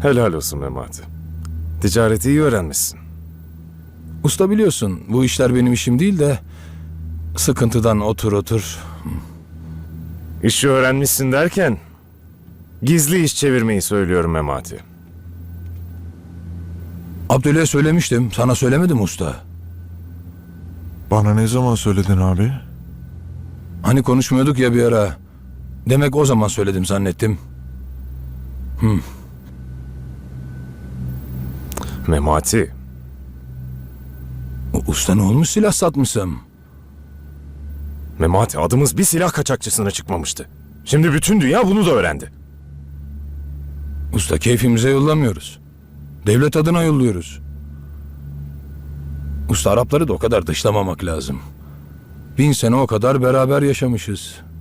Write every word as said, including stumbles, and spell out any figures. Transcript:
Helal olsun Memati. Ticareti iyi öğrenmişsin. Usta biliyorsun bu işler benim işim değil de sıkıntıdan otur otur. İşi öğrenmişsin derken gizli iş çevirmeyi söylüyorum Memati. Abdül'e söylemiştim. Sana söylemedim usta. Bana ne zaman söyledin abi? Hani konuşmuyorduk ya bir ara. Demek o zaman söyledim zannettim. Memati, U- Usta ne olmuş silah satmışsam? Memati adımız bir silah kaçakçısına çıkmamıştı. Şimdi bütün dünya bunu da öğrendi. Usta keyfimize yollamıyoruz. Devlet adına yolluyoruz. Usta Arapları da o kadar dışlamamak lazım. Bin sene o kadar beraber yaşamışız.